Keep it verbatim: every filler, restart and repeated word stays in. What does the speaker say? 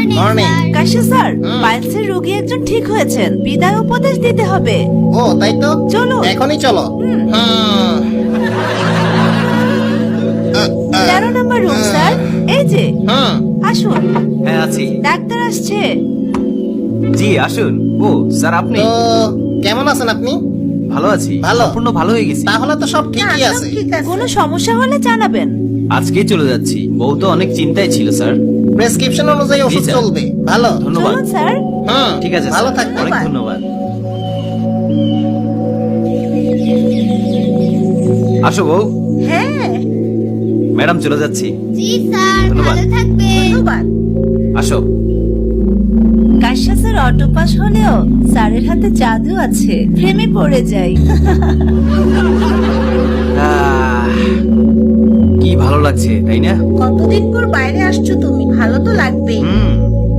Morning. কাশি sir, হুম। পাইলসের রোগী একজন ঠিক হয়েছেন, বিদায় উপদেশ দিতে হবে। ও তাই তো, চলো। এখনই চলো। হুম। তেরো নম্বর রুম স্যার, এই যে হুম। আসুন, হ্যাঁ আছি। ডাক্তার আসছে। জি আসুন। ও স্যার আপনি? তো কেমন আছেন আপনি? ভালো আছি, ভালো? সম্পূর্ণ ভালো হয়ে গেছি। তাহলে তো সব ঠিকই আছে। কোনো সমস্যা হলে জানাবেন। আজকেই চলে যাচ্ছি, বউ তো অনেক চিন্তায় ছিল স্যার। প্রেসক্রিপশন অনুযায়ী ওষুধ জি, স্যার। চলবে। ভালো। ধন্যবাদ। চলুন স্যার। হুম। ঠিক আছে ভালো স্যার, থাকবেন। অনেক ধন্যবাদ। আসো বউ। হ্যাঁ, ম্যাডাম চলে যাচ্ছি। জি স্যার, ধন্যবাদ। ভালো থাকবেন। ধন্যবাদ। আসো। কাশ্যা স্যার অটো পাস হলেও স্যারের হাতে জাদু আছে, প্রেমে পড়ে যাই। আহ, কি ভালো লাগছে তাই না? কতদিন পর বাইরে আসছো তুমি, ভালো তো লাগবেই। হুম